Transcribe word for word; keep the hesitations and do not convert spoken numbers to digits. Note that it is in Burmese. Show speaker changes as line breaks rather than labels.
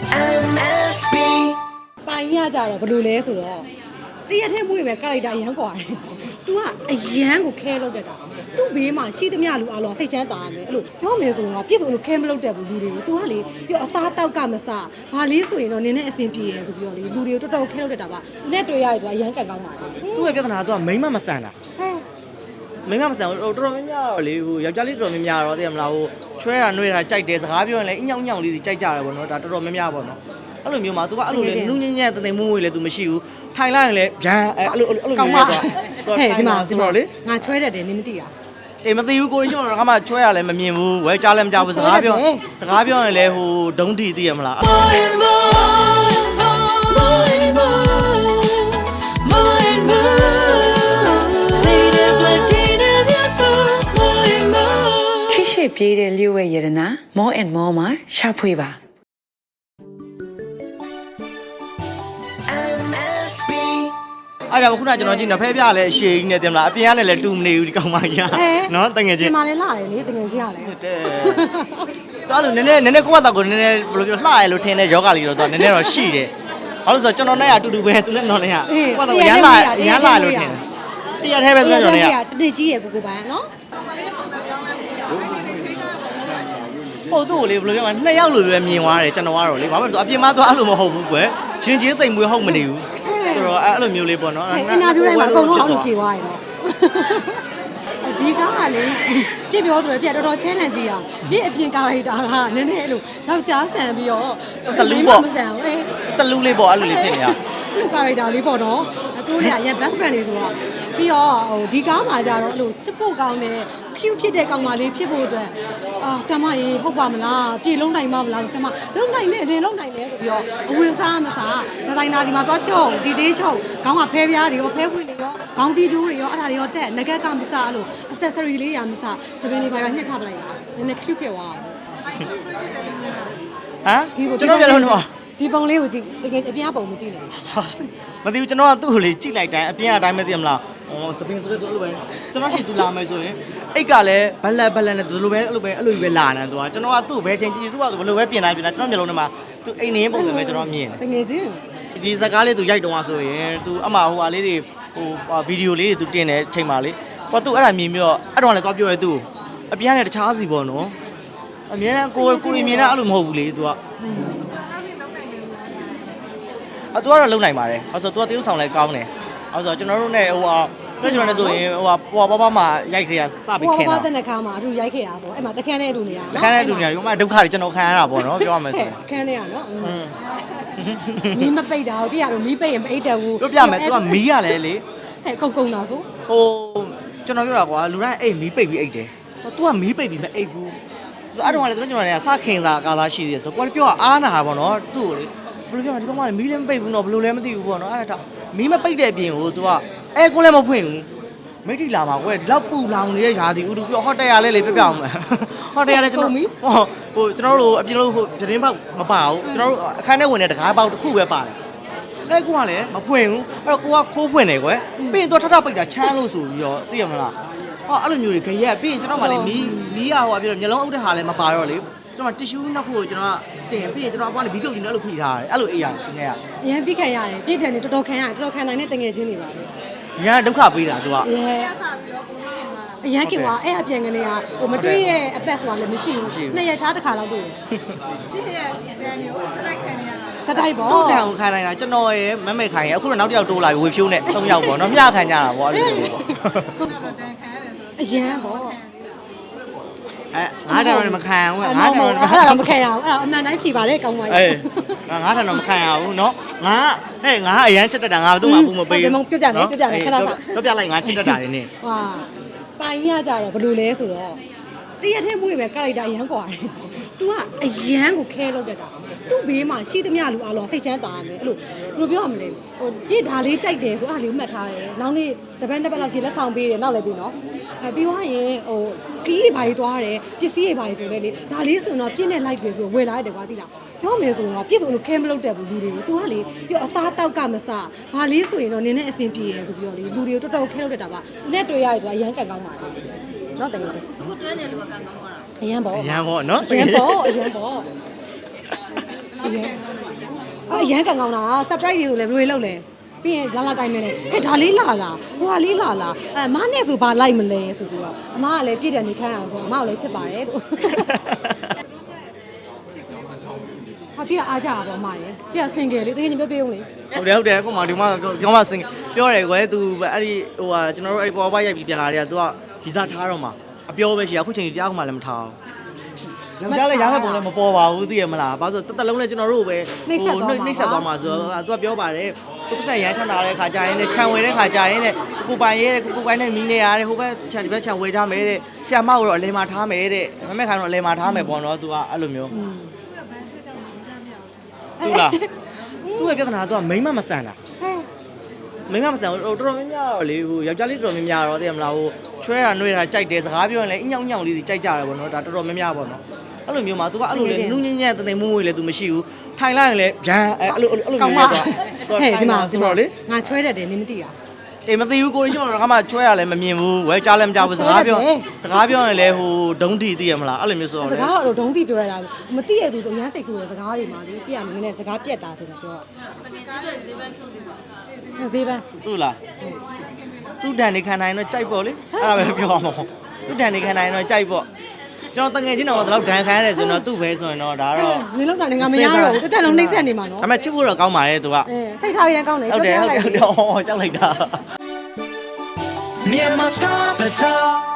M S B
ပိုင်ရကြတော့ဘယ်လိုလဲဆိုတော့တရက်ထဲမွေးပဲကာရိုက်တာရမ်းกว่าတယ်။ तू ကအရန်ကိုခဲလုပ်တတ်တာ။ तू ဘေးမှာရှိသမျှလူအလောစိတ်ချမ်းသာရမယ်။အဲ့လိုပြောမယ်ဆိုရင်ကပြည့်စုံလို့ခဲမလုပ်တတ်ဘူးလူတွေကို။ तू ကလေပြောအစားတောက်ကမစ။ဘာလေးဆိုရင်တော့နင်းနဲ့အဆင်ပြေရယ်ဆိုပြီးတော့လေလူတွေကိုတော်တော်ခဲလုပ်တတ်တာပါ။သူနဲ့တွေ့ရရင် तू အရန်ကန်ကောင်းပါတယ်။
သူ့ရဲ့ပြဿနာက तू ကမိမမဆန်တာ
ဟဲ့
မိမမဆန်ဟိုတော်တော်များများတော့လေဟိုယောက်ျားလေးတော်တော်များများတော့သိရမလားဟိုချွဲတာနှွေးတာကြိုက်တယ်စကားပြောရင်လည်းအညောင်ညောင်လေးစီကြိုက်ကြတယ်ပေါ့နော်ဒါတော်တော်များများပေါ့နော်အဲ့လိုမျိုးမှာ तू ကအဲ့လိုလေနူးညံ့ညံ့တသိမ်မွေးမွေးလေ तू မရှိဘူးထိုင်လိုက်ရင်လည်းဗျမ်းအဲ့လိုအဲ့လိုမျိုးလေ तू
ဟဲ့ဒီမှာဒီမှာလေ
လေ
ငါချွဲတတ်တယ်နင်းမသိတာ
အေးမသိဘူးကိုရှင်တော့ငါမှချွဲရလည်းမမြင်ဘူးဝဲကြားလည်းမကြားဘူးစကားပြောစကားပြောရင်လည်းဟိုဒုံးတီသိရမလား
ချစ်ရှိပြေးတဲ့လျှို့ဝဲရတနာ more and more မှာရှာဖွေပါ M S B
အားကြောင့်ခုနကကျွန်တော်ကြည့်နေဖဲပြလည်းအရှိကြီးနဲ့တင်မလားအပြင်ကလည်းလည်းတူမနေဘူးဒီကောင်မကြီးကနော်တငယ်ချင်း
ဒီမှာလည်းလာတယ်လေတငယ်ချင်းရတယ်
တဲ့တော်လို့နည်းနည်းနည်းနည်းကိုမတော့ကိုနည်းနည်းဘယ်လိုပြောလှရလို့ထင်တဲ့ယောဂလေးတော့တော်နည်းနည်းတော့ရှိတယ်ဘာလို့ဆိုတော့ကျွန်တော်နဲ့အတူတူပဲသူနဲ့ကျွန်တော်နဲ့ကကိုမတော့ရမ်းလာရမ်းလာလို့ထင်တယ်တရားထဲပဲဆိုတော့ကျွန်တော်နဲ့က
တတိကြီးရယ်ကိုကိုပိုင်းနော်
ဟုတ်သူ့ကိုလေဘယ်လိုပြောမလဲနှစ်ယောက်လိုပဲမြင်သွားတယ်ကျွန်တော်ကတော့လေဘာမှမဆိုအပြင်မှာတော့အဲ့လိုမဟုတ်ဘူးကွယ်ရှင်ချင်းသိမ်မွေးဟုတ်မနေဘူးဆိုတော့အဲ့လိုမျိုးလေးပေါ့နော်
အင်တာဗျူးတိုင်းမှာအကုန်လုံးအောက်လို့ဖြေသွားရတော့ဒီကားကလေပြည့်ပြောဆိုရပြတော်တော် challenge ကြီးอ่ะပြည့်အပြင်ကာရိုက်တာကနည်းနည်းအဲ့လိုနောက်ကြားဆန်ပြီးတော့မဆန်ဘူးအေး
စလူးလေးပေါ့အဲ့လိုလေးဖြစ်နေတာ
အဲ့လိုကာရိုက်တာလေးပေါ့နော်သူတို့တွေကရန် best friend တွေဆိုတော့ပြီးတော့ဟိုဒီကားမှာကြတော့အဲ့လိုချစ်ဖို့ကောင်းတဲ့ cute ဖြစ်တဲ့ကောင်မလေးဖြစ်ဖို့အတွက်အာဆမ်မရေဟုတ်ပါမလားပြေလုံးနိုင်မမလားဆမ်မလုံးနိုင်နဲ့တင်လုံးနိုင်လဲဆိုပြီးတော့အဝေစားမစားဒီဇိုင်နာဒီမှာသွားချုပ်ဒီတေးချုပ်ခေါင်းကဖဲပြားတွေရောဖဲခွေတွေရောခေါင်းတီးကျိုးတွေရောအဲ့ဒါတွေရောတက်ငကက်ကမစားအဲ့လို accessory လေးရာမစားစပင်းလေးပါပါညှက်ချပလိုက်တာနည်းနည်း cute ဖြစ်သွားအောင်
ဟမ်ကျွန်တော်ပြောလို့တော့
ဒီပုံလေးကိုကြည့်တကယ်အပြင်ပုံမကြည့်နဲ့
မသိဘူးကျွန်တော်ကသူ့ကိုလေကြည့်လိုက်တိုင်းအပြင်အတိုင်းပဲသိရမလားဟောစပင်းဆိုတဲ့သူလိုပဲကျွန်တော်ရှိသူလာမယ်ဆိုရင်အိတ်ကလည်းဘလက်ဘလက်နဲ့သူလိုပဲအဲ့လိုပဲအဲ့လိုပဲလာနေသူကကျွန်တော်ကသူ့ကိုပဲချင်းကြည့်သူကသူဘလိုပဲပြင်လိုက်ပြင်လိုက်ကျွန်တော်မျိုးလုံးထဲမှာသူအိမ်နေပုံစံပဲကျွန်တော်မြင်တယ်
တကယ်ချင်း
ဒီစကားလေးသူရိုက်တော့ဆိုရင်သူအမဟိုဟာလေးတွေဟိုဗီဒီယိုလေးတွေသူတင်တဲ့ချိန်မှာလေဟောသူအဲ့ဒါမြင်ပြီးတော့အဲ့တော့လည်းသွားပြောရဲသူအပြင်ကနေတခြားစီပေါ့နော်အမြဲတမ်းကိုကိုရီမြင်တာအဲ့လိုမဟုတ်ဘူးလေသူကအတူကတော့လုံနိုင်ပါတယ်။အဲဆိုသူကတရုပ်ဆောင်လဲကောင်းတယ်။အဲဆိုကျွန်တော်တို့ ਨੇ ဟိုဟာဆက်ကျွန်တော်လည်းဆိုရင်ဟိုဟာပွားပွားပွားမှာရိုက်ခေရစပြီးခင်တာ
ဟိုဘာတဲ့နှခါမှာအတူရိုက်ခဲ့ရဆိုအဲ့မှာတခန်းနဲ့အတူနေရ
။ခန်းတဲ့လူညာဒီမှာဒုက္ခတွေကျွန်တော်ခံရတာပေါ့နော်ပြောရမယ်ဆိုရင်
ခန်းနဲ့ရနော်မီးမပိတ်တာကိုပြရတော့မီးပိတ်ရင်မအိတ်တယ်ဘူး
ပြောပြမယ်သူကမီးရလဲလေ
ဟဲ့ကုံကုံတာဆို
ဟိုကျွန်တော်ပြောတာကွာလူတိုင်းအိတ်မီးပိတ်ပြီးအိတ်တယ်။ဆိုတော့ तू ကမီးပိတ်ပြီးမအိတ်ဘူး။ဆိုတော့အဲ့တော့လည်းကျွန်တော်လည်းစခင်တာကာသားရှိသေးတယ်ဆိုတော့ကိုယ်လည်းပြောအားနာတာပေါ့နော်သူ့ကိုလေဘယ်လိုပြောဒီကောင်ကမီးလည်းမပိတ်ဘူးနော်ဘယ်လိုလဲမသိဘူးပေါ့နော်အဲ့ဒါမီးမပိတ်တဲ့အပြင်ကို तू ကအဲကိုလည်းမဖွင့်ဘူးမိတ်တီလာမှာကွယ်ဒီလောက်ပူလောင်နေတဲ့ຢာဒီဥတူပြောဟော့တယ်ရလဲလေပြပြအောင်မယ်ဟော့တယ်ရလဲကျွန်တော်ဟောဟိုကျွန်တော်တို့အပြင်လို့ဟိုသတင်းပေါက်မပါဘူးကျွန်တော်တို့အခန်းထဲဝင်တဲ့တကားပေါက်တစ်ခုပဲပါတယ်အဲကိုကလည်းမဖွင့်ဘူးအဲ့တော့ကိုကခိုးဖွင့်တယ်ကွယ်ပြီးရင် तू ထထပိတ်တာချမ်းလို့ဆိုပြီးတော့သိရမလားဟောအဲ့လိုမျိုးတွေခရက်ပြီးရင်ကျွန်တော်မှလေမီးမီးရဟိုအပြင်မျိုးလုံးအုပ်တဲ့ဟာလည်းမပါတော့လေကျွန်တော်တီရှူးနှစ်ခုကိုကျွန်တော်တင်ပြီးရင်ကျွန်တော်အကွာနေဘီကုတ်ကြီးနဲ့အဲ့လိုဖိထားတယ်အဲ့လိုအေးရတယ်ငယ်ရ
အရင်တိခံရတယ်ပြည့်တယ်နေတော်တော်ခံရတယ်တော်တော်ခံနိုင်တဲ့တငယ်ချင်းတွေပါပဲ
ရန်ဒုက္ခပေးတာ तू က
အရင်ကကွာအဲ့အပြန်ကနေကဟိုမတွေ့ရဲ့အပတ်ဆိုတာလည်းမရှိဘူးနှစ်ရက်ချားတစ်ခါလောက်တွေ့တယ်ပြည့်ရဲ့တန်တွေကိုစတိုက်ခံနေရတာစတိုက်ပေါ့
သူ့တန်ကိုခံနိုင်တာကျွန်တော်ရဲ့မမဲခိုင်ရဲ့အခုတော့နောက်တစ်ယောက်တိုးလာပြီဝေဖြိုးနဲ့သုံးယောက်ပေါ့နော်မျှခံကြတာပေါ့အဲ့လိုမျိုးပေါ့
အရင်ပေါ့
အဲငါးတန်တော့မခံဘူးငါးတန်တော့
အဲ့ဒါတော့မခံရဘူးအဲ့ဒါအမှန်တိုင်းဖြေပါတယ်ကောင်းပါရဲ့
အေးငါးတန်တော့မခံရဘူးเนาะငါဟဲ့ငါအရန်ချက်တက်တာငါသူ့မှာဘူးမပေးဘူး
ပြပြနေပြပြနေခဏခဏ
ပြပြလိုက်ငါချက်တက်တာနေနေ
ဟာပိုင်ရကြတော့ဘယ်လိုလဲဆိုတော့တရက်ထဲမွေးပဲကာရိုက်တာရမ်းกว่าတယ်။ तू ကအရန်ကိုခဲလုပ်တတ်တာ။ तू ဘေးမှာရှိသမျှလူအလောစိတ်ချမ်းသာရမယ်။အဲ့လိုဘယ်လိုပြောရမလဲ။ဟိုပြစ်ဒါလေးကြိုက်တယ်ဆိုအဲ့ဒါလေးမှတ်ထားတယ်။နောက်နေ့တပတ်တစ်ပတ်လောက်ရှိလက်ဆောင်ပေးတယ်နောက်လည်းပြီးနော်။အဲပြီးသွားရင်ဟိုခီးဘာကြီးသွားတယ်ပစ္စည်းတွေဘာကြီးဆိုလဲလေဒါလေးဆိုတော့ပြည့်နဲ့လိုက်တယ်ဆိုဝယ်လာရတယ်ကွာသိလား။ပြောမယ်ဆိုရင်ပြည့်စုံလို့ခဲမလုပ်တတ်ဘူးလူတွေကို။ तू ကလေပြောအစားတောက်ကမစဘာလေးဆိုရင်တော့နင်းနဲ့အဆင်ပြေရယ်ဆိုပြီးတော့လေလူတွေကိုတော်တော်ခဲလုပ်တတ်တာပါ။ तू နဲ့တွေ့ရရင် तू အရန်ကန်ကောင်းပါတယ်။နော်တကယ်ဆိုအခုတွဲနေလူကကန်ကောင်းသွားတာအရန်ပေါ့
အရန်ပေါ့နော်
အရန်ပေါ့အရန်ပေါ့အရန်အရန်ကန်ကောင်းတာ surprise တွေဆိုလည်းဘယ်လိုလုပ်လဲပြီးရင်လာလာတိုင်းမလဲဟဲ့ဒါလေးလာလာဟိုဟာလေးလာလာအဲမနဲ့ဆိုဘာလိုက်မလဲဆိုပြီးတော့အမကလည်းပြည့်တယ်နေခမ်းအောင်ဆိုအမကလည်းချစ်ပါတယ်လို့ဟာပြအားကြပါပေါ့အမရေပြစင်ကယ်လေးတကယ်ချင်းပြောပြအောင်လေ
ဟုတ်တယ်ဟုတ်တယ်ကိုမဒီမှာဒီမှာစင်ပြောတယ်ကွယ် तू အဲ့ဒီဟိုဟာကျွန်တော်တို့အဲ့ပေါ်ပါရိုက်ပြီးပြလာတယ်က तू ကဗီဇထားတော့မှာအပြောပဲရှိရအခုချိန်ကြီးတရားကမှလည်းမထားဘူးယောက်ျားလည်းရားမဲ့ပုံလည်းမပေါ်ပါဘူးသိရမလားဘာလို့ဆိုတက်တက်လုံးနဲ့ကျွန်တော်တို့ပဲနှိမ့်ဆက်သွားမှာဆိုတော့ तू ကပြောပါတယ်သူပတ်စံရမ်းချမ်းသာတဲ့ခါကြရင်လည်းခြံဝဲတဲ့ခါကြရင်လည်းကိုပိုင်ရဲတဲ့ကိုပိုင်နဲ့မီးနေရတယ်ဟိုဘက်ခြံဒီဘက်ခြံဝဲထားမယ်တဲ့ဆရာမကတော့အလဲမှာထားမယ်တဲ့မမဲ့ခိုင်တော့အလဲမှာထားမယ်ပေါ့နော် तू ကအဲ့လိုမျိုးသူလားသူ့ရဲ့ပြဿနာက तू ကမိမမဆန်တာမိမမဆန်ဟိုတော်တော်များများတော့လေဟိုယောက်ျားလေးတော်တော်များများတော့သိရမလားဟိုချွဲတာနှွေးတာကြိုက်တယ်စကားပြောရင်လည်းအညောင်ညောင်လေးစီကြိုက်ကြတယ်ပေါ့နော်ဒါတော်တော်များများပေါ့နော်အဲ့လိုမျိုးမှာ तू ကအဲ့လိုလေနူးညံ့ညံ့တသိမ်မွေ့မွေ့လည်း तू မရှိဘူးထိုင်လိုက်ရင်လည်းဗျမ်းအဲ့လိုအဲ့လိုမျိုးတော့
ဟဲ့ဒီမှာဒီမှာလေငါချွဲတတ်တယ်နင်မသိတာ
အေးမသိဘူးကိုကြီးကျွန်တော်ကမှချွဲရလည်းမမြင်ဘူးဝဲကြားလည်းမကြားဘူးစကားပြောစကားပြောရင်လည်းဟိုဒုံးတီသိရမလားအဲ့လိုမျိုးဆိုတော့
စကားတော့ဒုံးတိပြောရတာမသိရသူတို့အရန်စိတ်ဆိုးတဲ့စကားတွေမှာလေပြရနေနေစကားပြက်တာတင်ပြောဈေးပန်း
ဟုတ်လားသူ့တန်နေခံနိုင်တော့ကြိုက်ပေါ့လေအဲ့ဒါပဲပြောရမှာပေါ့သူ့တန်နေခံနိုင်တော့ကြိုက်ပေါ့ကျွန်တော်တငယ်ချင်းတော်ကတော့ဒန်ခံရတယ်ဆိုတော့သူ့ပဲဆိုရင်တော့ဒါတော့
နင်လောက်တာငါမရတော့ဘူးတစ်ချက်လုံးနှိမ့်ဆက်နေမှာနော်
ဒါပေမဲ့ချစ်ဖို့တော့ကောင်းပါရဲ့သူက
အဲစိတ်ထားရန်ကောင်းတယ်
ဟုတ်တယ်ဟုတ်တယ်ဟုတ်တယ်ဟောကြောက်လိုက်တာ
Myanmar Star Bazaar